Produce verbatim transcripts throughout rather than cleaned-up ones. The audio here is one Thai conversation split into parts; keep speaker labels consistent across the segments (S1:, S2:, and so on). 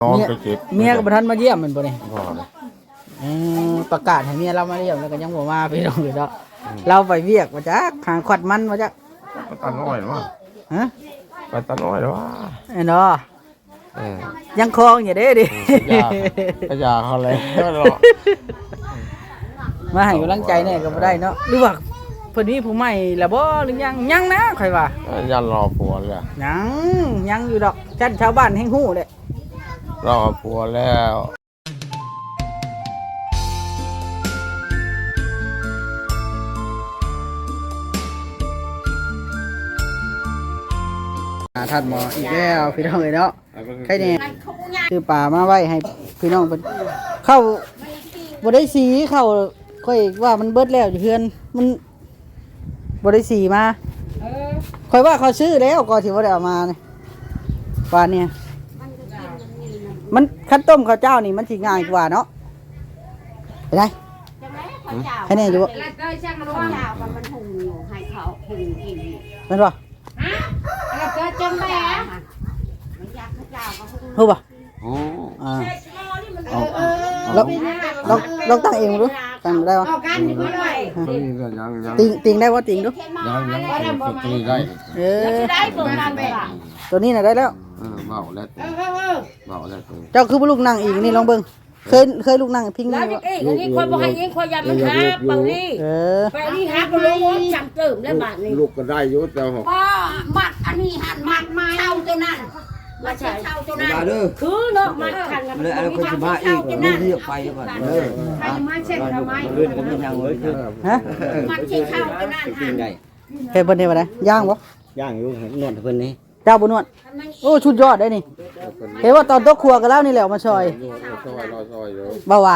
S1: น้องไปเก็บ
S2: เมียกับท่านมาเยี่ยมมันบ่นี่
S1: บ่เลย
S2: เออประกาศให้เมียเรามาเยี่ยมแล้วก็ยังบ่มาพี่น้องเลยเนาะเราไปเวียกมาจักหาขวัดมันมาจัก
S1: ไปตาน้อยหรอวะ
S2: ฮะ
S1: ไปตาน้อยหรอวะ
S2: ไอ้เนาะ
S1: เออ
S2: ยังคลองอยู่เด้ดิ
S1: ก็ยาเขาเลยเนาะ
S2: มาให้กำลังใจแน่ก็บ่ได้เนาะหรือว่าเพิ่นมีผู้ใหม่แล้วบ่หรือยังยังนะข่อยว่า
S1: ยันรอผัวเลย
S2: ยังยังอยู่ดอกจันชาวบ้านแห่งฮู้เด้
S1: รอผัวแล้ว
S2: ท่านหมออีกแล้วพี่น้องเอ้ยเนาะใครเนี่ยคือป่ามาไว้ให้พี่น้องเพิ่นเข้าบ่ได้สีเข้าค่อยว่ามันเบิดแล้วอยู่เฮือนมันบ่ได้สีมาค่อยว่าเขาซื้อแล้วก่อนสิบ่ได้เอามานี่ป่านเนี่ยมันคั้นต้มข้าวเจ้านี่มันสิง่ายกว่าเนาะไปได้ใครเนี่ยอยู่บ่
S3: แล้วก็ช่างรู้ว่ามันหุงอยู่ให้เขาหุงกิน
S2: แม่นบ่
S3: ฮะแล้วก็จำแม่มันอยากข้าวเจ้าก็หุง
S2: ฮู้บ่
S1: โอ้
S2: อ่า
S3: เออเออ
S2: ลองลองลองตั้งเองดูตั้งได้บ่
S3: เอากันดีกว่าด้วย
S1: ยังยัง
S2: ติงติงได้บ่ติงดู
S1: ยังยังตีได้
S2: เออ
S3: ได้เปิดกันไปล่ะ
S2: ตัวนี้น่ะได้แล้ว
S1: เออเบาแล้ว
S3: เออเออเออ
S1: เบาแล้วตัว
S2: เจ้าคือบ่ลูกนั่งอีกนี่ลองเบิ่งเคยเคยลูกนั่งพิง
S3: แล้
S2: นี่
S3: ว
S2: บ่
S3: เอ้ยอันนี้คนบอกให้ยิงคนยามันหาบางนี่
S2: เออ
S3: ไปนี่หาก็รู้ว่าจำเติมแล้วบาทนี่
S1: ลูกก็ได้ยุ่แต่หก
S3: ก็มัดอันนี้หันมัดมาเช่าตัวนั้นมาเช่าตัวนั้นคือเนาะมัดขันกันเลยอะไรคนจะมาอีกไม่เรียกไปก่อนเออใครมาเช่นทำไม
S2: ฮะ
S3: มัดเช่าตัวนั้นหัน
S2: เฮ็ดเพิ่นเฮ็ดบ่ได้ย่างบ่
S4: ย่างอยู่นวดเพิ่นนี่
S2: เจ้าบ่นวดโอ้ชุดยอดได้นี่เห็นว่าตอนตกครัวกันแล้วนี่แหละมาซอย
S1: ซอยรอซอยเดี๋ยว
S2: บ่หวา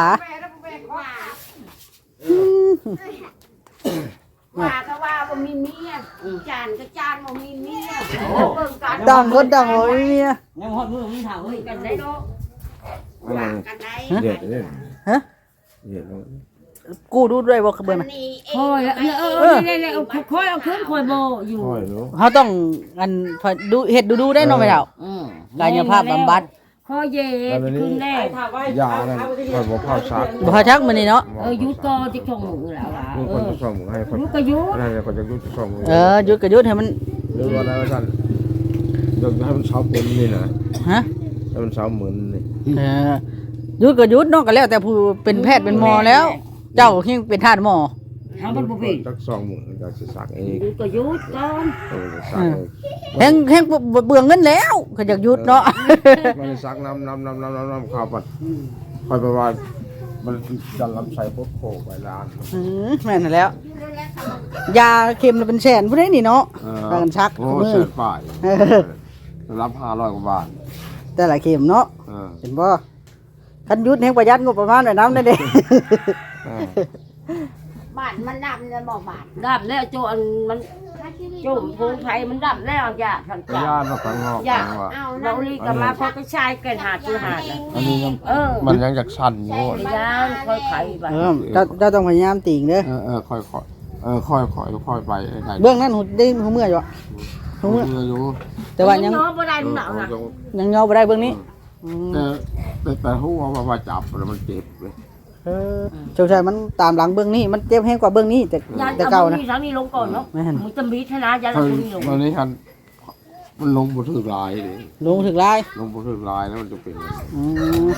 S3: ว่าก็ว่าบ่มีเมียจานก็จานบ่มีเมียเบิ่งกัน
S2: ต่างคนต่างบ่มีเมีย
S4: ยังฮอดมือมีเฒ่าเฮ้ย
S3: กันได้เนาะว่ากันได้
S1: เด็ดเนี่ย
S2: ฮะ
S1: เด็ด
S2: กูดูด้วยบ่เบิ่งน่ะ
S3: นี่เอ
S5: คอย
S3: ง
S5: เออเออนี่นี่เอาคอยเอาขึ้นคอยโบอยู่
S1: ซอยเนาะ
S2: เฮาต้องอันดูเฮ็ดดูๆได้เนาะแม่เฒ่า
S5: อืม
S2: กายภาพบำบัด
S5: คอยเย็ดขึ้นแน่
S1: ยานั่นคอยบอกข้าวซัก
S2: บ่ทักมื้อนี้เนาะ
S5: เออยุดก็จะชงหมูแล้วล่ะ
S1: ลูก
S5: เอ
S1: คน
S5: อ
S1: จะส่งให้คน
S5: ยุดก็ยุด
S1: นั่นแหละคนจะยุติส่ง
S2: เออหยุดก็หยุดให้มัน
S1: หรือว่าอะไรท่านยกให้มันเช้าปุ่นนี่นะ
S2: ฮะ
S1: ให้มันเช้าเหมือนนี่
S2: เออหยุดก็หยุดเนาะก็แล้วแต่ผู้เป็นแพทย์เป็นหมอแล้ว เจ้าเฮงเป็นทาสหมอ
S5: ทำมันบุเป็น
S1: จักสองหมื่นจะสิสักเอง
S5: ยุดก็ยุดก่อน
S1: เออจะสัก
S2: เฮงเฮงเบื่อเงินแล้วก็อยากหยุดเนาะ
S1: มันสักน้ำน้ำน้ำน้ำน้ำน้ำข้าวปัดคอยไปว่ามันจะลำไส้พวกโคไปร้าน
S2: อืมแม่นแล้ว ยาเข็มละเป็นแสนผู้ใดนี่เนาะพากันชัก
S1: โอ้
S2: มือ
S1: เสียฝ่ายรับห้าร้อยกว่าบาท
S2: แต่ละเข็มเนาะ
S1: เออ
S2: เห็นบ่คันหยุดแห่งประหยัดงบประมาณไว้นำได้เด้
S3: บาทมันดำจะบอกบาท
S5: ดับแล้วโจนมันโจมพงไทยมันดับแล้วอย่าทัน
S1: พ
S5: จ่าย
S1: านมาข้างนอก
S5: อย่า
S1: ว่า
S3: เอา
S5: เรา
S3: นั่น
S5: ลีก็มาพอก็ชายเกินหาดคือหาดนะ
S1: อันนี้ยัง
S5: เออ
S1: มันยังจากสั่นอยู่
S5: พยานคอยไขไป
S2: เออเจ้าเจ้าต้องพยายามติ่งเด้อ
S1: เออเออค่อยค่อยเออค่อยค่อยค่อยไปได้
S2: เบื้องนั้นหูได้หูเมื่อยอยู่อะหู
S1: เมื่
S2: เมื่อย
S1: ออยู่
S2: แต่ว่ายัง
S5: น้องบ่ได้หนาวนะ
S2: ยังยอบ่ได้เบื้องนี้อืม
S1: แต่แต่แต่หัวว่าว่าจับแล้วมันเจ็บเลย
S2: เออเจ้าชายมันตามหลังเบื้องนี้มันเจ็บแห้งกว่าเบื้องนี้แต่
S5: ยาน
S2: แต่
S5: เอา
S2: เก่า
S5: บุ
S2: นะ
S5: นี้ทั้งนี้ลงก่อนเนาะ
S2: แม่น
S5: มึงจะมีชนะยาน
S1: ตอ
S5: เอา
S1: น
S5: บุนี้ลง
S1: ตอนนี้ทันมันลงบนถือลายเลย
S2: ลงถึงลาย
S1: ลงบนถือลายแล้วมันจะเป็น
S2: อืม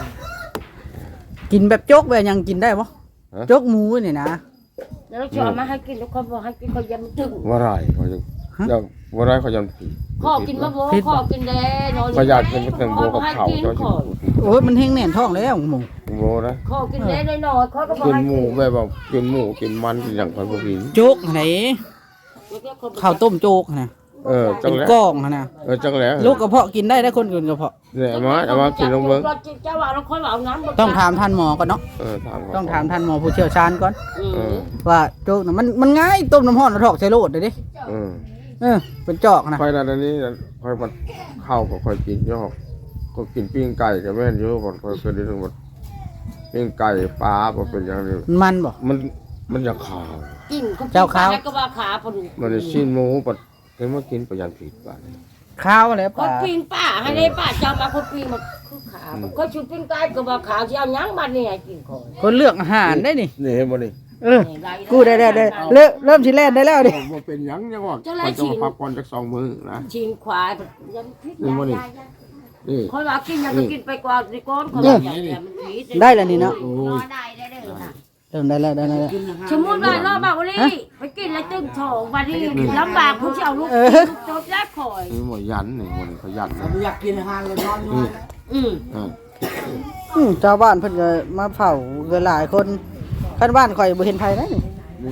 S2: กินแบบโจกแบบยังกินได้ปะโจกหมูนี่นะ
S5: แล้วชอบมาให้กินทุกคนบอกให้กินเขายังถึง
S1: ว่าไรเขาจะยังว่าไรเขายังผิด
S5: ข้อกินมะโบข้อกินแดนอน
S1: เขาอยากกินเป็นแตงโมกับเขา
S5: กิน
S1: เขา
S5: ข้อ
S2: โอ้ยมันแห้งแน่นท้องแล้วหมู
S1: โมนะ
S5: ข้อกินแดนน้อยๆข้อก็บอก
S1: กิน
S5: ให้
S1: หมูแบบว่ากินหมูกินมันกินอย่างคนพวกนี้
S2: โจกไหนข้าวต้มโจกนะ
S1: เออจั
S2: เป็
S1: ง
S2: น
S1: แล้ว
S2: ก้องนะ
S1: เออจังแล้ว
S2: ลูกกระเพาะกินได้ได้คนอื่นกระเพาะ
S1: เนี่ยมาเอามากินลงเบิ้ง
S5: เจ้าว่าเราค่อยเอาน้ำ
S2: ต้องถามท่านหมอก่อนเนาะ
S1: เออถาม
S2: ต้องถามท่านหมอผู้เชี่ยวชาญก่อน
S1: เออ
S2: ว่าโจกน่ะมันมันง่ายต้มน้ำร้อนแล้วถอกใส่โลดเลยดิ
S1: เออ
S2: เออเป็นจอกนะ
S1: ค่อยนั่นอันนี้ค่อยมันเข้ากับค่อยกินเยอะก็กินปิ้งไก่กับแม่นเยอะหมดค่อยเคยได้ทั้งหมดปิ้งไก่ปลาบ่เป็นอย่างนี้
S2: มันบ่
S1: มันมันจะขาว
S5: กิน
S2: เจ้าขาว
S5: ก็ว่าขาพอดี
S1: มันจะชิ้นหมูปัดเห็นว่ากินประหยัดผิดไป
S2: ข้าวอะไร
S5: ค
S2: ป่าน
S5: ปีนป้าให้ได้ป้าเจ้ามาคนปีนมาคือขาก็ชุบปิ้งไก่ก็บ่ขาวสิเอาหยังมานี่ให้กินของ
S2: คนเลือกอาหารได้นี่
S1: นี่เห็นบ่นี่
S2: เออกูได้ได้ได้เริ่มเริ่มสิแล่นได้แล้วดิ
S1: บ่เป็นหยังยังว่าข่อยต้องพักก่อนจักสองมื้อนะ
S5: ชิงควายยังพิษ
S1: นี่บ่นี่นี่
S5: คนว่ากินยังก็กินไปก่อนสิก่อนคนว่าอย่างนี้มันผิด
S2: ได้แล้วนี่เนาะ
S1: โอ้ย
S3: ได้ได้ได้นะ
S2: เริ่มได้แล้วได้แล้ว
S5: สมมุติว่ารอบบ่าวนี้ไปกินแล้วตึงท้องบัดนี้ลำบากผู้สิเอาลูกจบยักข่อย
S1: นี่บ่ยันนี่บ่นี่เขายันนะ
S4: อยากกินอาหารเลยนอนนอน
S5: อืม
S1: อ่า
S2: อืมชาวบ้านเพิ่นก็มาเผาเกินหลายคนคันบ้านข่อยบ่เห็นไผนะนี่
S1: นี่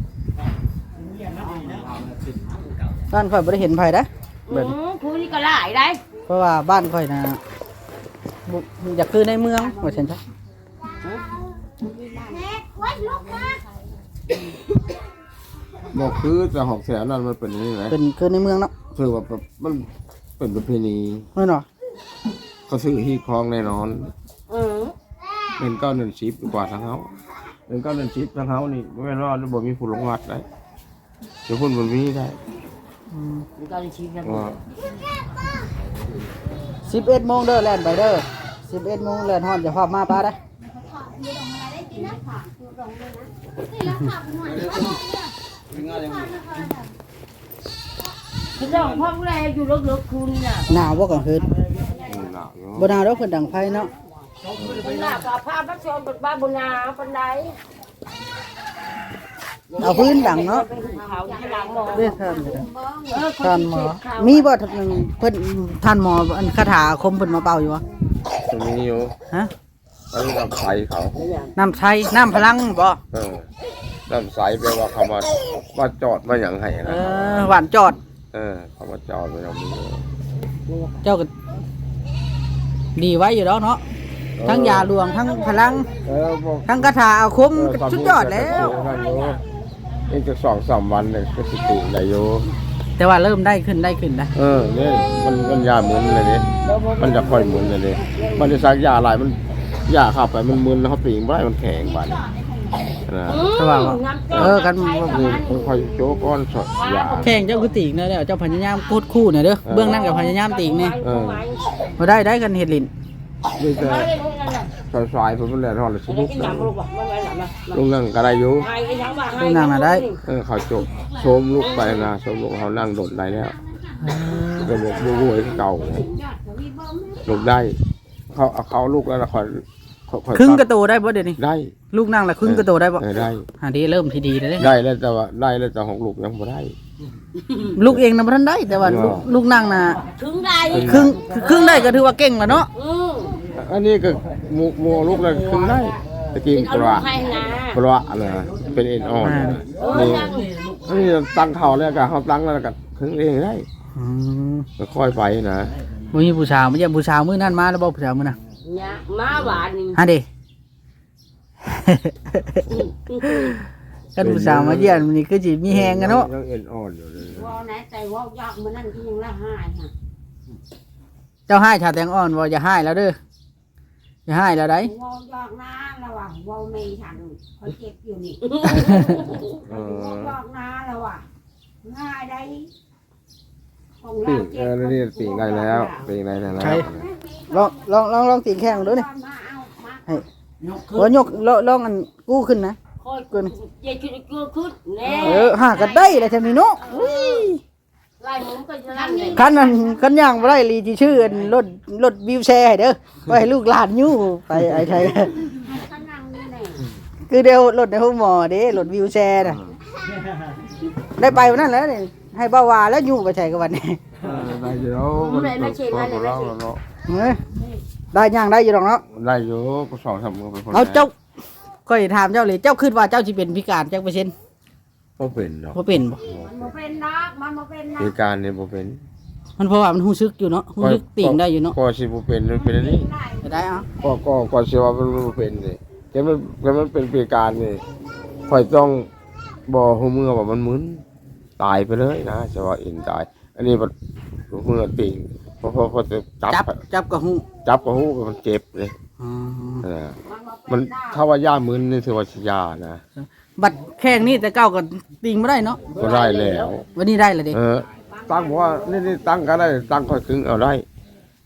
S2: บ้านข่อยบ่ได้เห็นไผนะ
S5: อืมผู้นี้ก็หลายได้
S2: เพราะว่าบ้านข่อยน่ะบ่อยากคือในเมืองว่าซั่นจ้ะ
S1: บ่คือแต่หอกแสนนั่นมันเป็นนี่แหละ
S2: เป็นคือในเมืองเนาะ
S1: คือว่าแบบมันเป็นประเพณี
S2: แม่นบ่
S1: เขาซื้อฮีคลองแน่นอน
S5: อืม
S1: เงินเก้าเงินชิปกว่าทางเฮาเงินเก้าเงินชิปทางเฮานี่บ่แม่นว่าบ่มีผู้ลงวัดได้เดี๋ยวพุ่นบ่มีได้
S2: อืม
S5: มันก็เลยชิมกัน
S1: ว่า
S2: สิบเอ็ดโมงเด้อแล่นไปเด้อสิบเอ็ดโมงแล่นฮอดจะพามาป้าได้
S5: พี่น้องพ่อแม่อยู่เลิกๆคุณน่ะ
S2: หนาวบ่กลางคืน
S1: นี่หนาวอยู่
S2: บ่หนาวดอกเพิ่นดังไฟเนาะ
S5: เป็นหน้าปลาผ้าพระชมเป็นบ้าบุญนาปันได
S2: เอาพื้นดังเนาะ
S5: เป็นเขาที่หลังหมอ
S2: เด้อท่านเด้อ
S5: เออ
S2: ท่านหมอมีบ่ทันเพิ่นท่านหมออันคาถาอาคมเพิ่นมาเป่าอยู่บ่
S1: จะมีอยู่
S2: ฮะ
S1: อันนี้น้ำใสเขา
S2: น้ำใช้น้ำพลังบ่
S1: เออน้ำใสแปลว่าเขามามาจอดมาหยังให้
S2: เอ
S1: นะ
S2: อหวานจอด
S1: เออเขามาจอดไว้เรามีอยู่
S2: เจ้าก็ดีไว้อยู่แล้วเนาะทั้งยาหลวงทั้งพลัง
S1: เออบอก
S2: ทั้งคาถาอาคมก็สุดยอดแล้ว
S1: อีกจะสองสามวันเนี่ยก็สิติได้อยู่
S2: แต่ว่าเริ่มได้ขึ้นได้ขึ้นนะ
S1: เออนี่มันมันยาหมุนเลยนี่มันจะค่อยหมุนเลยนี่มันจะซักยาหลายมันยาเข้าไปมันมึนแล้วเขาปีงบ่ได้มันแข็งบาดนี้นะ
S2: ใช่ป่าวเออกัน
S1: นี่ค่อยๆโจ๊กก้อนสดยา
S2: แข่งเจ้าคือติ่งนะเด้อเจ้าพญายามกูดคู่น่ะเด้อเบื้องนั่นกับพญายามติ่งนี่
S1: เออ
S2: บ่ได้ได้กันเฮ็ดลิ้น
S1: นี่จะสายๆเพิ่นแล่นฮอดแล้วสิ
S5: ไม่
S1: ลุก
S5: กิน
S1: นะ
S5: น้ำลูกว่ะไม่ไหวหลับนะ
S1: ลุงนั่งก็ได้อยู่
S5: ไอ้ยังว่า
S2: ดูนางน่ะได้
S1: เออเขาจบโชมลุกไปนะโชมลุกเขานั่งโดดได้แล้วก็บอกบูบูไอ้เก่าลุกได้ เขาเอาเขาลูกแล้วละครเขาเขา
S2: ครึ่งกระโตได้บ่เดี๋ยวนี้
S1: ได้
S2: ลูกนั่งละครึ่งกระโตได้บ่
S1: เออได้
S2: หาดีเริ่มที่ดีแล้วเด้
S1: ได้แล้วแต่ว่าได้แล้วแต่ของลูกยังบ่ได้
S2: ลูกเองน่ะบ่ทันได้แต่ว่าลูกลูกนั่งน่ะ
S5: ถึงได้
S2: ครึ่งครึ่งได้ก็ถือว่าเก่งแล้วเนาะ
S5: อืม
S1: อันนี้ก็หมูหมูลูกแล้วครึ่งได้ตะกี้
S5: เอา
S1: ป
S5: ลู
S1: ลาก
S5: ให้นะ
S1: ปลาอะไรเป็นเอ็นอ่อน
S5: เออ
S1: นี่
S5: ยัง
S1: อันนี้ตั้งเขาแล้วก็เขาตั้งแล้วก็ครึ่งเองได้
S2: อืม
S1: ก็ค่อยไปนะ
S2: บ่มีผู้สาวบ่ใช่ผู้สาวมื้อนั้นมาแล้วบ่ผู้สาวมื้อน่ะ
S5: เนี่ยมาหวานนี่
S2: ฮะเด้ กันผู้สาวมาเยี่ยมนี่คือสิมีแฮงกันเนาะ
S1: ยังเอ็นอ่อนอยู่เลย
S5: ว่าไหนแต่ว่ายากมันนั่นที่ยังละหายค่ะ
S2: เจ้าให้ชาแตงอ่อนว่าอย่าให้แล้วเด้ออย่าให้แล้วได้
S3: ว่ายอกนะระหว่างว่าไม่ทันเขาเจ็บอยู่นี่
S1: เอ
S3: ว่
S1: อ
S3: ายอกนะระหว่างง่ายได้ของ
S1: ปี
S3: เรา
S1: ก
S3: เจ็
S1: เอบ อนี่ปีกได้แล้วปีกได้แล้ว
S2: ลองลองลองลองตีนแข้งดูนี่
S3: มาเอามา
S2: ให้โอ้ยกลองลองอันกู้ขึ้นนะ
S5: คอยกูเย็นขึ้นขึ้นขึ้นแน่
S2: เออหากันได้เลยจังนี้เนาะอุ้ย
S5: ไล่หมุนไปจะนั่นเลย
S2: คันนั้นคันย่างบ่ได้ลีที่ชื่ออันรถรถวิวแชร์ให้เด้อไว้ให้ลูกหลานอยู่ไปไอ้ไทย
S3: ให้เขานั่งนี่แน่
S2: คือเดียวรถในห้องหมอเด้รถวิวแชร์น่ะได้ไปวันนั้นแล้วนี่ให้บ่าวาแล้วอยู่ไปใช้กับวันนี้
S1: ได้อยู่แล้วมันก็เราเนาะ
S2: เอ้ยได้ย่างได้อยู่ดอกเนาะ
S1: ได้อยู่ก็สองสามมือเป็นคน
S2: เอาเจ้าก็สิถามเจ้าเลยเจ้าคิดว่าเจ้าสิเป็นพิการจักเปอร์เซ็นต์
S1: ก็เป็นเนาะ
S2: บ่เป็นบ่
S3: มันบ่เป็นนักมันบ่เป็นนั
S1: เห
S3: ก
S1: ตุการณ์นี่บ่เป็น
S2: มันเพราะว่ามันฮู้ซึกอยู่เนาะฮู้ซึกติ่งได้อยู่เนาะ
S1: ก็สิบ่เป็นมันเป็นอันนี้
S2: จะได้เอา
S1: ก็ก็ก็สิว่ามันบ่เป็นนี่แต่มันแต่มันเป็นเหตุการณ์นี่ค่อยต้องบ่ฮู้มือว่ามันมึนตายไปเลยนะจะว่าเอ็นตาย อันนี้มันมือติ่งเพราะเพราะเพราะจะจับ
S2: จับจับกับฮู้
S1: จับก็ฮู้มันเจ็บเลย
S2: อ๋อ
S1: นะ
S3: มั
S1: มัน น
S3: บ่เป็นนัก
S1: ถ้าว่าย่ามึนนี่ถือว่าสิยานะ
S2: บัดแข้งนี่แต่เก้าก็ติ่งบ่ได้เนาะ
S1: ก็ได้แล้ว
S2: วันนี้ได้แล้วเด้
S1: เออตั้งบอกว่านี่นี่ตั้งก็ได้ตั้งค่อยครึ่งเอาได้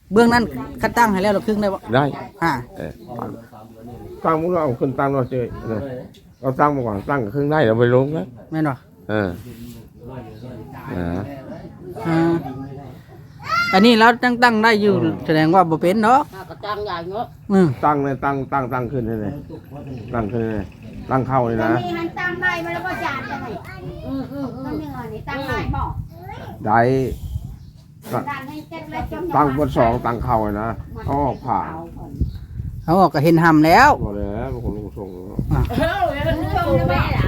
S2: เบื้องนั้นคัดตั้งให้แล้วเราครึ่งได้บ่
S1: ได้
S2: อ่า
S1: เออตั้งมุกเราเอาขึ้นตั้งเราเจอนะเราตั้งมาก่อนตั้งกับครึ่งได้เราไปลงนะ
S2: แม่นบ่
S1: เอออ่า
S2: อ่าอันนี้เราตั้งตั้งได้อยู่แสดงว่าบ่เป็นเนาะ
S5: ก็จังใหญ่เนาะ
S2: อืม
S1: ตั้งเลยตั้งตั้งตั้งขึ้นเลยเลยตั้งขึ้นเลยตั้งเข้าเลยนะ
S3: นี่หันตามได้มาแล้วก็จานจะไหน
S5: อืออืออื
S3: ต้
S5: อน
S3: หนึ่งอันนี้ตามได้บอก
S1: ได้
S3: จานให้เจ็ดแล้วจม
S1: ตั้งบนสองตั้งเข้าเลยนะเขาออกผ่า
S2: เขาบอกก็เห็นหำแล้ว
S1: หมดเลยนะบางคนลงส่ง
S5: เฮ้ยแล้วนึกว่าแม่ล่ะ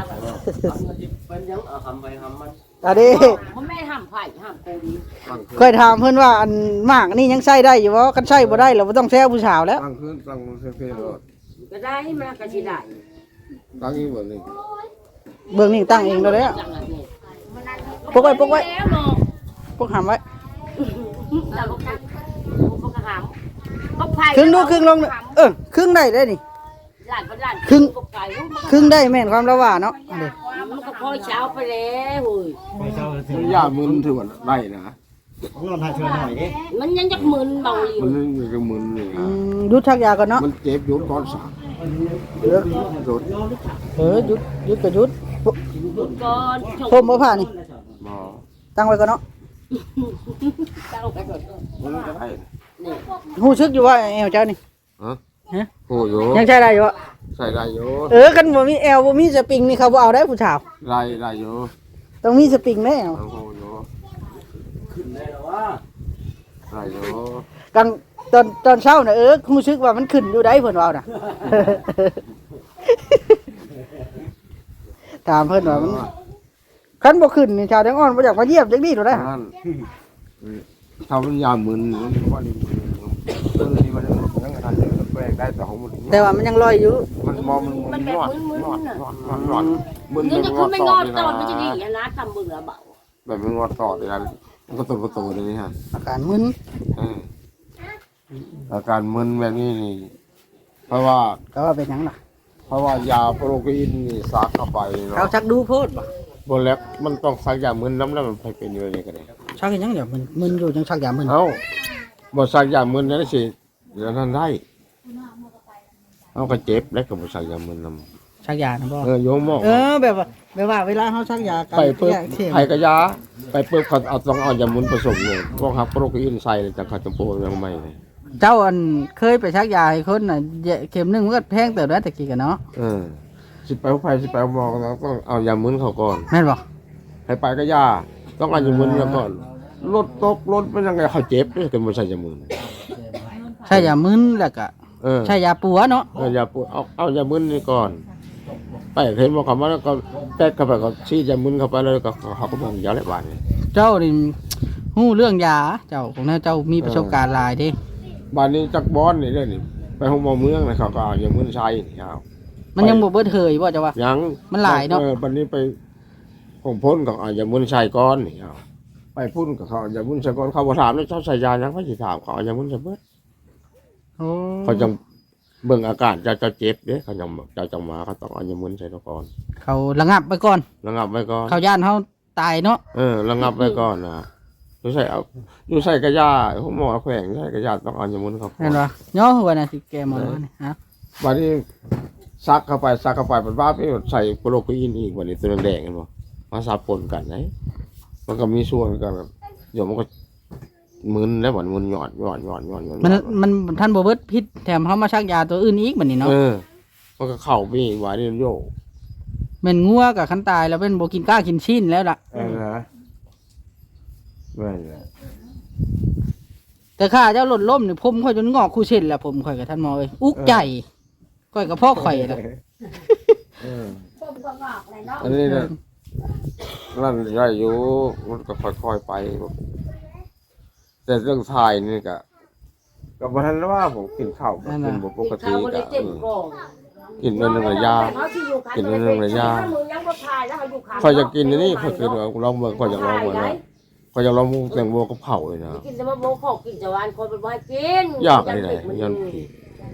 S2: อันนี้
S5: เพราะแม่ห้ามไผ่ห้ามโกดี
S2: เคยถามเพิ่นว่าอันมากนี่ยังใช้ได้อยู่บ่คันใช้บ่ได้เราบ่ต้องแซวผู้สาวแล้ว
S1: ตั้งขึ้นตั้งเซ่ๆเลย
S5: ก็ได้มันก็สิได้
S1: ตั้งอีกแบบนึง
S2: เบื้องนี้ตั้งเองแล้วแหละ
S5: จังนั้นนี่
S2: ปกไว้ปกไว้
S5: แล้วเนาะ
S2: ปกหำไว้
S5: เราก็กักพวกกระหำก็ไผ่
S2: ครึ่งดูครึ่งลงเออครึ่งได้ได้นี่
S5: หลานเป็นหลาน
S2: ครึ่ง
S5: ก็ไก่
S2: ครึ่งได้แม่นความละว่าเนาะอันนี้
S5: มันก็พอเช้าไปแล้วเฮ้ย
S4: ไปเช้าถึง
S1: มันยากมึนถือว่าได้นะ
S4: นอนหาเชิญหน่อยดิ
S5: มันยังจักมึนเบาอยู่
S1: มันนึงก็มึนเลย
S2: อืมหยุดชักยาก่อนเนาะ
S1: มันเจ็บยุดก้อนสาม
S2: เออ
S1: ยุด
S2: เออหยุดหยุดก็หยุด
S5: ก่อน
S2: ผมบ่ผ่านี่
S1: หมอ
S2: ตั้งไว้ก่อนเนาะ
S5: ตั้งไปก่อน
S1: มันก็ได้
S2: ฮู้สึกอยู่ว่าแอวเจ้านี่
S1: ฮะ
S2: ฮะ
S1: โอ้โย
S2: ยังใช้ได้อยู่บ่
S1: ใส่ได้โย
S2: เออคันบ่มีแอวบ่มีสปริงนี่เขาบ่เอาได้ผู้สาว
S1: ได้ได้โย
S2: ต้องมีสปริงแน่
S1: โอ้โยได้โย
S2: กันตอนตอนเช้าน่ะเออรู้สึกว่ามันขึ้นอยู่ได้เพิ่นว่าน่ะ ถามเพิ่นว่ามันคันบ่ขึ้นนี่ชาวแดงอ่อนบ่อยากมาเยี่ยมจังนี้โดดได้
S1: นั่นทำมันยามึนมันว่านี่เออนี่มันยังทันจะแปลงได้แต่ของมัน
S2: แต่ว่ามันยังลอยอยู่
S1: มันมองมันมันนอดนอดนอดนอดนอดมึน
S5: นี่
S1: มัน
S5: จะ
S1: ง
S5: คือ
S1: อด
S5: ไม่
S1: ต่
S5: ง
S1: อ
S5: อ
S1: เลย
S5: ตอนมันจะดี
S1: นะ
S5: นะตำมือเบา
S1: แบบมันงอดต่อเลยนะมันก็ตุ่มตุ่มเลยนี่ฮะ
S2: อาการมึน
S1: อาการมึนแบบนี้นี่เพราะว่า
S2: ก็ว่าเป็นหยังล่ะ
S1: เพราะว่ายาโปรตีนนี่ซักเข้าไป
S2: เขา
S1: เนาะ
S2: ชักดูโพดบ่
S1: บนแล้วมันต้องซักยามึนน้ำแล้วมันไปเป็นอยู่นี่ก็ได้
S2: ชักเฮ็ดหยังเดี๋ยวมึนมึนอยู่จังชักยามึน
S1: เอ้าบ่ซักยามึนนั่นสิเดี๋ยวนั้นได้เอาก็เจ็บแล้วก็บ่ซักยามึนนำ
S2: ชักยานะบ่
S1: เออโยมหมอ
S2: เออแบบว่าแบบว่าเวลาเฮาชักยากัน
S1: ไปเพิ่ม
S2: แยกเที่ยง
S1: ไผกะยาไปเพิ่มเขาเอาต้องเอายามึนผสมเลยพวกฮับโปรตีนใส่จังเขาจะโปรยังไม่เลย
S2: เจ้าอันเคยไปชักยาให้คนน่ะเข็มหนึงมันก็แพงเติบแล้วตะกี้กันเนาะ
S1: เออสิไปไผสิไปหมอก็ต้องเอายามึนเขาก่อน
S2: แม่นบ่
S1: ให้ไปก็ยาต้องเอายามึนแล้วก่อนรถตกรถเป็นยังไงเขาเจ็บด้วยแต่บ่ใช่ยามึน
S2: ใช้ยามึนแล้วก็
S1: เออ
S2: ใช้ยาปัวเนาะ
S1: เอายาปวดเอาเอายามึนนี่ก่อน ไปเห็นบอกเขามาแล้วก็แตกเข้าไปก็ชี้ยามึนเข้าไปแล้วก็เขาก็บอกยาอะไรบ้างนี่
S2: เจ้านี่ฮู้เรื่องยาเจ้าของเจ้ามีประสบการณ์หลายเด้
S1: บ้านนี้จักบอนนี่เด้อนี่ไปห้องหมอเมืองนะเขาก็เอายามึนใช้นี่เอา
S2: มันยังบ่เบิดเฮยบ่เจ้าว่า
S1: ยัง
S2: มันหลายเนาะ
S1: ออบ้านนี้ไปของพ้นก็เอายามึนใช้ก้อนนี่เอาไปพุ่นกับเขาเอายามึนใช้ก้อนเขาบ่ถามแล้วเจ้าใส่ยายังเขาสิถามเขาเอายามึนใส่เบิด
S2: โอ้
S1: เขาจังเบิ่งอาการเจ้าเจ้าเจ็บเด้เขาจังเจ้าจังมาเขาต้องเอายามึนใส่ก่อน
S2: เขาระงับไปก่อน
S1: ระงับไว้ก่อน
S2: เขาย่านเฮาตายเนาะ
S1: เออระงับไว้ก่อนนะดูใส่เอาดูใส่กระยาห้องหมอแขวงใส่กระยาต้องเอายามุนเข้าไป
S2: แม่นบ่ย่อหัวน่ะสิแกหมอนี่ฮะ
S1: วันนี้ซักเข้าไปซักเข้าไปเป็นว่าไปใส่โปรตีนอีกวันนี้ตัวแดงๆกันบ่มาสับปนกันไหนมันก็มีส่วนกันแบบเดี๋ยวมันก็มึนแล้วหวานมึนหยอดหยอดหยอดหยอดหยอด
S2: มันมันท่านบ่เบิดพิษแถมเฮามาชักยาตัวอื่นอีกบัดนี้เนาะ
S1: เออมันก็เข้าไปอีกว่านี่โยก
S2: แม่นงัวกับคันตายแล้วเป็นบ่กินกล้ากินชิ้นแล้วล่ะ
S1: เออนะไม่เลย
S2: แต่ข้าเจ้าหล่นล้มนี่ผมค่อยจนงอกคู่เส้นแล้วผมค่อยกับท่านหมอเอ้ยอุกใจค่อยกับพ่อข่อยล่ะ
S1: เออ
S3: ผมก็งอกเลยเนาะ
S1: อันนี้นะนั่นย่อยอยู่มันก็ค่อยๆไปแต่เรื่องทายนี่ก็กับวันนั้นว่าผมกินข้าวก็กินบ่ปกติ
S5: เขาก็
S1: ก็
S5: ได้เต็มกอง
S1: กินเรื่องระยะ กินเรื่องระยะ คอยจะกินอันนี่คอยกินเอาลองเบิ่งคอยอยากลองเบิ่งนะคอยอยากลองหมูแตงโมกับเผาเลยนะ
S5: กินแต่ว่าโมขอกินจะวานคนเป็นว่ากิน
S1: ยากอะไรไหนยันผี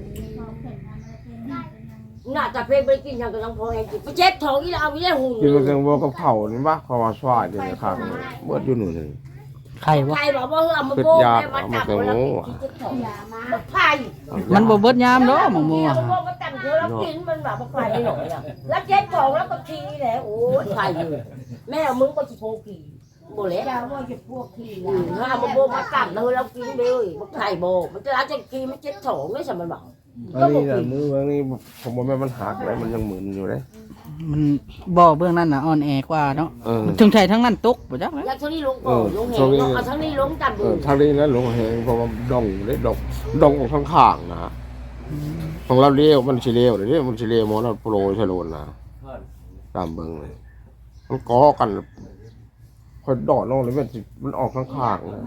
S5: น่าจะเพลงไปกินอย่างกับน้องพอเองกินไปเจ็บท้องอีแล้วเอาอีแล้วหุ่น
S1: กินแตงโมกับเผานี่บ้าเขาว่าสวายเดี๋ยวนี้ข้างเบิดอยู่หนึ่งหนึ่ง
S2: ไข่บ่
S5: ใครบอกว่าเอามาโบกแล้วมาจับแล้วกินจะถอยบักไผ่
S2: มันบ่เบิดยามเนาะหมองมัว
S5: เอาโบกมาจับเธอแล้วกินมันแบบบักไผ่ไม่หน่อยอ่ะแล้วเจ๊กองแล้วก็ทีแหละโอ้ยไผ่เลยแม่มึงก็จะโพกี่โบเละจะว่าจะพวกขี้ถ้าเอามาโบกมาจับเลยแล้วกินเลยบักไผ่โบมันจะแล้วจะกินมันเจ๊ถองไม่ใช่มันบอก
S1: อันนี้น่ะมืออันนี้ผมบ่แม่นมันหักเลยมันยังหมุนอยู่เลย
S2: มันบ่อเบื้องนั้นน่ะอ่อนแอกว่าเนาะ
S1: เออ
S2: ถึงใช้ทั้งนั้นตกบ่จักเลย
S5: แล้วทั้งนี้ลงก่อนลงแหงเอาทั้งนี้ลงจับ
S1: เอ
S5: ดู
S1: อทางนี้นะหลวงแหงเพราะว่าดองได้ดองดองของข้างๆนะของเราเลี้ยวมันสิเลี้ยวเดี๋ยวนี้มันสิเลี้ยวหมอเราโปรยชะโลนนะตามเบิ่งเลยมันก่อกันค่อยดอดลงเลยมันสิมันออกข้างๆนะ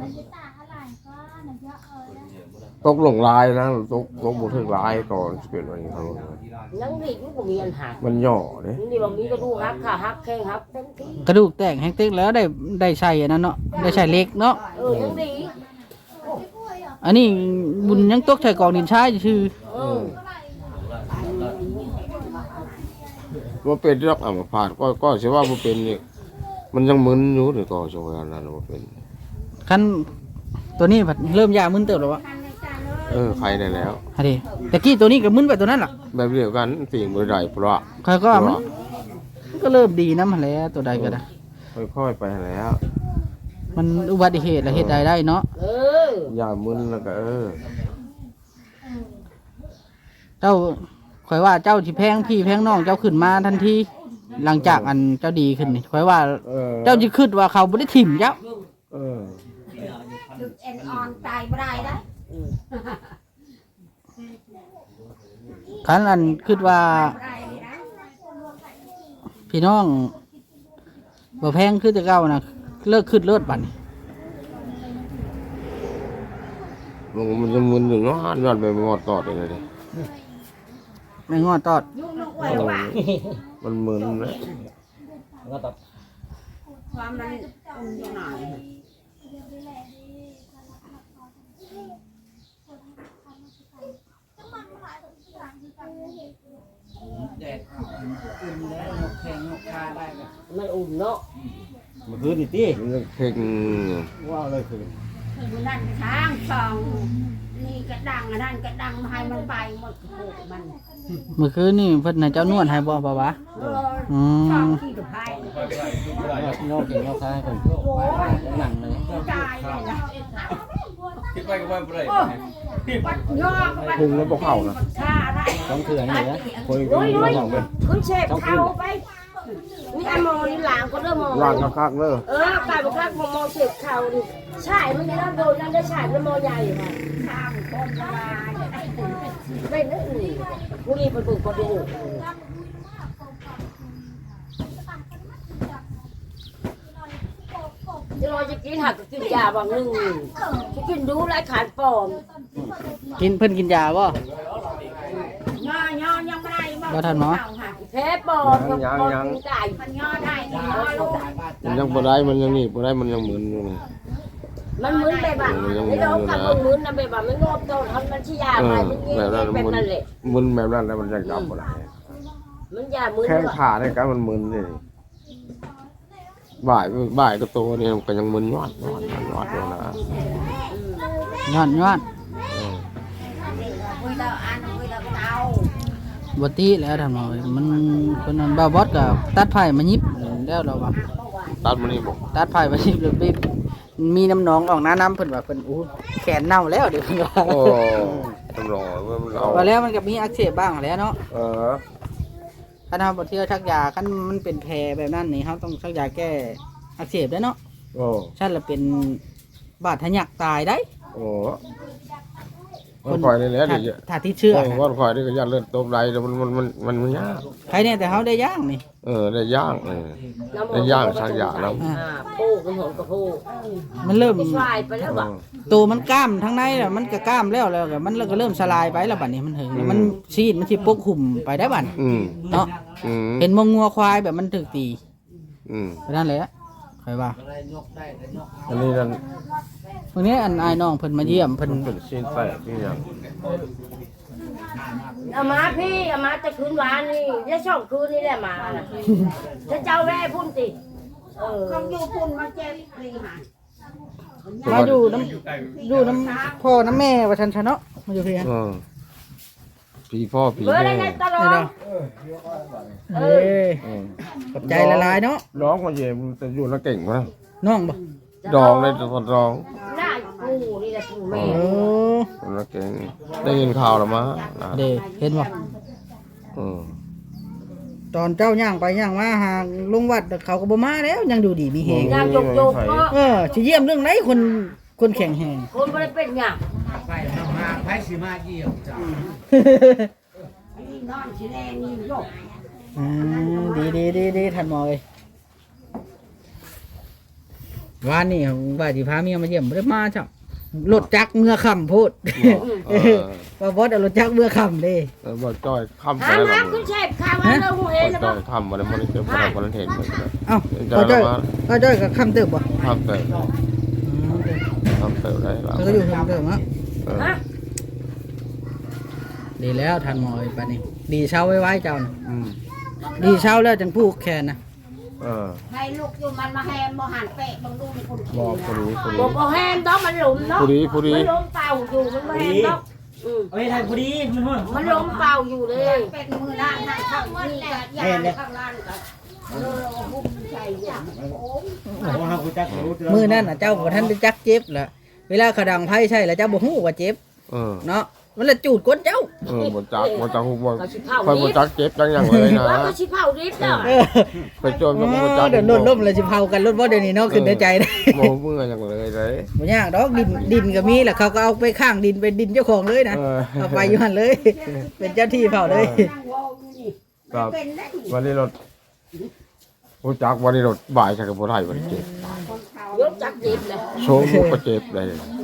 S1: ตกลงลายนะตกตกบ่ถึงลายก่อนสิเป็นว่าอย่างนั้น
S5: นั่งนี่มันก็มีอันหัก
S1: มันย่อเด้
S5: นี่บอกมีกระดูกหักขาหักแข้งหักเต็มที่
S2: กระดูกแตกแฮงเต็กแล้วได้ได้ใช้อันนั้นเนาะได้ใช้เหล็กเนาะ
S5: เออยังดี
S2: อันนี้บุญยังตกใส่กองดินชายชื่อ
S5: เออ
S1: ว่าเป็นที่รักอัมพาตก็ก็สิว่าบ่เป็นนี่มันยังมึนอยู่เดี๋ยวก็สิว่านั้นบ่เป็น
S2: คันตัวนี้ผัดเริ่มยามึนเติบแล้ววะ
S1: เออใครได้แล้ว
S2: ฮะดิตะกี้ตัวนี้ก็มึนไปตัวนั้นล่ะ
S1: แบบเดียวกันสิ่งบ่ได้เพราะ
S2: ใครก็ว่ามันมันก็เริ่มดีนำหั่นแหล้วตัวใดก็ได้
S1: ค่อยๆไปแล้ว
S2: มันอุบัติเหตุแล้วเฮ็ดใดได้เนาะ
S5: เออ
S1: อย่ามึนแล้วก็เออ
S2: เจ้าข่อยว่าเจ้าสิแพงพี่แพงน้องเจ้าขึ้นมาทันทีหลังจากอันเจ้าดีขึ้นนี่ข่อยว่า
S1: เออ
S2: เจ้าสิคิดว่าเขาบ่ได้ถิ่มเจ้า
S1: เออ
S3: ดึกเอ็นออนตายบ่ได้นะ
S2: คันอันคิดว่า
S3: ได้นะ
S2: พี่น้องบ่แพงคือแต่เก่านะเลิกขึ้นเลิศบัดนี้
S1: มันมันจะมึนอยู่เนาะนอนไปงอดตอดเลยดิ
S2: ไม่งอตอด
S3: ลูกนกไว้ว่า
S1: มันมึนนะ
S3: ความนั้นอุ่นอยู่หน่อย
S5: มันอุ่นเนาะ
S4: มันคืนนี่ติ
S1: มันยังเพ่ง
S4: ว้าวเลยคืน
S3: คือนั่นช้างสองนี่ก็ดังอันนั้นก็ดังให้มันไปหมดโขกมัน
S2: เมื่อคืนนี่เพิ่นให้เจ้านวดให้บ่บ่วะ
S3: เออ
S2: อื
S3: ช่อง
S2: ม
S3: ขี้กับไผ่
S4: นอกเก่งนอกซ้ายคน
S3: โอ้ย
S4: หนังเลย
S3: ตายเลยนะ
S6: คิดไปก็ว่าบ่ได้
S3: โอ้ปัดยอก็ปัด
S1: พุงแล้วบ่เข้านะ
S3: ชาได้
S4: ต้องเถื่อนนี่นะ
S1: คน
S5: โอ้ย
S1: กิน
S5: โอ้ย
S1: บ่เข้าเลย
S5: ขึ้นเชฟเข้าไปนี่ไอ้โมนี่หลางก็เริ่มมอง
S1: ร่างคักๆเด้อ
S5: เออกลายเป็นข้างมองเชฟเข้าดิใช่มันจะโดนนั่นได้ใช่แล้วมอใหญ่ค่ะ
S3: ข้ามคนจะมาจะได้ตื่น
S5: ไม่นึกหนีผู้นี้เป็นปึกกระดูกจะรอจะกินหักกินยาบางหนึ่งจะกินดูไรขาดปอม
S2: กินเพิ่นกินยาบ่
S3: ย่อย่อยังไม่ได้
S2: บ่ทันหมอ
S5: แพ้ปอมกับปอมกินไก่
S3: มันย่อได้นี่ย่อลง
S1: มันยังบ่ได้มันยังนี่บ่ได้มันยังมึนอยู่นี่
S5: มันมึนไปบ้างไอ้เรากับมึงมึนนะไปบ้างมันงอบโตทำมันชี้ยา
S1: เอ
S5: ไป
S1: อ
S5: มันเงี้
S1: แบบนั้น
S5: ยเป็น
S1: มึน
S5: นั่นแหละ
S1: มึนแบบนั้นแล้วมันยังจับบ่ได้
S5: มันยามึน
S1: แข้งขาเนี่ยก็มันมึนนี่บ่ายบ่ายก็โตนี่มันก็ยังมึนยอดยอดยอดอยู่นะ
S2: ย้อนย้อน
S1: เออ
S3: คุยแล้วอันคุยแล้วเตา
S2: บ่ติแล้วท่านหมอมันคนนั้นบ่าวบอสก็ตัดไผ่มายิบแล้วเราว่า
S1: ตัดมันนี่บอก
S2: ตัดไผ่มายิบเลยไปมีน้ำหนองออกน้าน้ำเพิ่นว่าเพิ่นอู้แขนเน่าแล้วเดี๋ยวเพิ่นว่า
S1: โอ้ตำรวจว่ามันเอา
S2: ว่าแล้วมันก็มีอักเสบบ้างแหล้วเนาะ
S1: เออ
S2: คันเฮาบ่เที่ยวชักยาคันมันเป็นแผลแบบนั้นนี่เฮาต้องชักยาแก้อักเสบได้เนาะ
S1: โอ้
S2: ฉันละเป็นบาดทะยักตายได้
S1: โอ้วันคอยนี่แหละ
S2: ถ้า
S1: เดี๋ยว
S2: ถ้าที่เชื่อ
S1: เออวันคอยนี่ก็ยันเลือดตบไหลแต่มันมันมันมันมันยาก
S2: ใครเนี่ยแต่เขาได้ย่างนี่
S1: เออได้ย่างเออ ได้ย่างชักยาแล้ว
S5: อ่าปูกับหัวกับปู
S2: มันเริ่ม
S5: สลายไปแล้วว่ะ
S2: ตัวมันกล้ามทั้งในแล้วมันก็กล้ามแล้วแล้วก็มันก็เริ่มสลายไปแล้วบัดนี้มันถึงมันซีดมันสิปกคลุมไปได้บัด
S1: อืม
S2: เนาะ
S1: อืม
S2: เห็นมงงัวควายแบบมันถึกตี
S1: อืม
S2: ไปนั่นแหละใครว่า
S1: อันนี้นั่น
S2: วันนี้อันอายน้องเพิ่นมาเยี่ยมเพิ่น
S1: มันเป็นชิ้นแตกที่ยัง
S5: เอามาพี่เอามาจะคืนวานนี่จะช่องคืนนี่แหละมาน่ะจะเจ้าแม่พุ่นติเออ
S3: เขาอยู่พุ่นมาเจ็บนี่หา
S2: มาอยู่น้ำอยู่น้ำพ่อน้ำแม่ว่าฉันชะเนาะมาอยู่เพียง
S1: เออพี่พ่อพี่
S5: เบอร์
S1: แม่
S5: ได้ตลอ
S2: นี่
S5: ด
S2: เนาะเอ้ย
S1: เออ
S2: ขอบใจละลายเนาะ
S1: ร้องมาเย็นจะอยู่แล้วเก่งมั้ย
S2: น้องบ่
S1: ดองเลยตอนร้อง
S5: หน้ากูนี่แหละกูแม่
S2: โอ้
S1: แล้วเก่งได้ยินข่าวแล้วมั้ย
S2: เด้เห็นบ่
S1: เออ
S2: ตอนเจ้าย่างไปย่างมาหาลุงวัดเขาก็บ่มาแล้วยังดูดีมีแฮง
S5: งานจบจบก็
S2: เออสิเยี่ยมเรื่องไหนคนคนแข็งแฮง
S5: คนไม่ได้เป็นอย่าง
S7: ไปมาไปสิมาเยี่ยมจ้ะ
S3: นี่นอนสิแลนี่โยก
S2: อืมดีดีดีดีท่านหมอเอ้ยวานนี่ว่าสิพาเมียมาเยี่ยมบ่ได้มาจ้ะรถจักรเมื่อค่ำพูด
S1: เออ
S2: ว่าบอสเอารถจักรเมื่อค่ำเด้
S1: เออบ่จ้อยค่ำไป
S5: หา
S1: แล้ว
S5: มา
S1: บ่
S5: คุณเชฟข้าวมาเราหูเห็นนะ
S1: จ้
S5: บ่
S1: อยค่ำบ่ได้บ่ได้เจอบ่ได้บ่ได้เห็นบ่ได้
S2: เอ้า
S1: จ้
S2: ก็
S1: อย
S2: จ้อย
S1: มา
S2: ก็จ้อยกับค่ำเติบบ่
S1: ค่ำเตยค่ำเตยได้แล้ว
S2: แล้วก็อยู่ค่ำเติบเนาะ
S1: เออ
S5: ฮะ
S2: ดีแล้วท่านหมอเอ้ยปานนี้ดีเช้าไว้ไว้เจ้าน่ะ
S1: อืม
S2: ดีเช้าแล้วจังผูกแขนนะ
S1: เออ
S3: ให้ลูกอยู่มันมาแฮมบ่หันเปะบังดูในคน
S1: บ่ผู้ดีผู้ดี
S5: บอกเอาแฮมต้องมันหลุมเนาะ
S1: ผู้ดีผู้ดี
S5: มันล้มเป่าอยู่มันไม่แฮมเนาะอืม
S7: เอ้ยไทยพอดีมันฮ้อน
S5: มันล้มเป่าอยู่เลย
S3: เป็นมือด้านนั่งข้างนี่ก็ยาข้างล่างก็เออหุ้มใจอย่างโอ้ย
S7: บ่ฮักกูจักรู้
S2: มื้อนั้นน่ะเจ้าบ่ทันได้จักเจ็บล่ะเวลาเขาดังไผใช่แล้วเจ้าบ่ฮู้ว่าเจ็บ
S1: เออ
S2: เนาะมันละจูดก้นเจ้า
S1: เออบ่จักบ่จักฮู้บ่
S5: ก็สิเผา
S1: ค่อยบ่
S5: ดิบ
S1: จักเจ็บจังหยังเลยนะ
S5: ว่าก็สิเผาดิบเนาะ
S2: เออ
S1: ไปโจมกับบ่จัก
S2: เดี๋ยวโดนล่มเลยสิเผากันรถบ่เดี๋ยวนี้เนาะขึ้นในใจได้
S1: บ่เมื่อหยังเลยเลย
S2: บ่ยากดอกดินดินก็มีแหละเขาก็เอาไปข้างดินเป็นดินเจ้าของเลยนะ
S1: เออ
S2: เอาไปอยู่หั่นเลย เป็นเจ้าที่เผาเลย
S3: นั่งวออยู่นี่
S1: ครับ
S3: เป็นได้
S1: วันนี้รถผู้จักวันนี้รถบ่ายใช่กับผู้ไทยบ่ได้เจ็บ
S3: คนเขา
S5: ยกจักดิบเลย
S1: โชว์มุกก็เจ็บเลย
S5: เ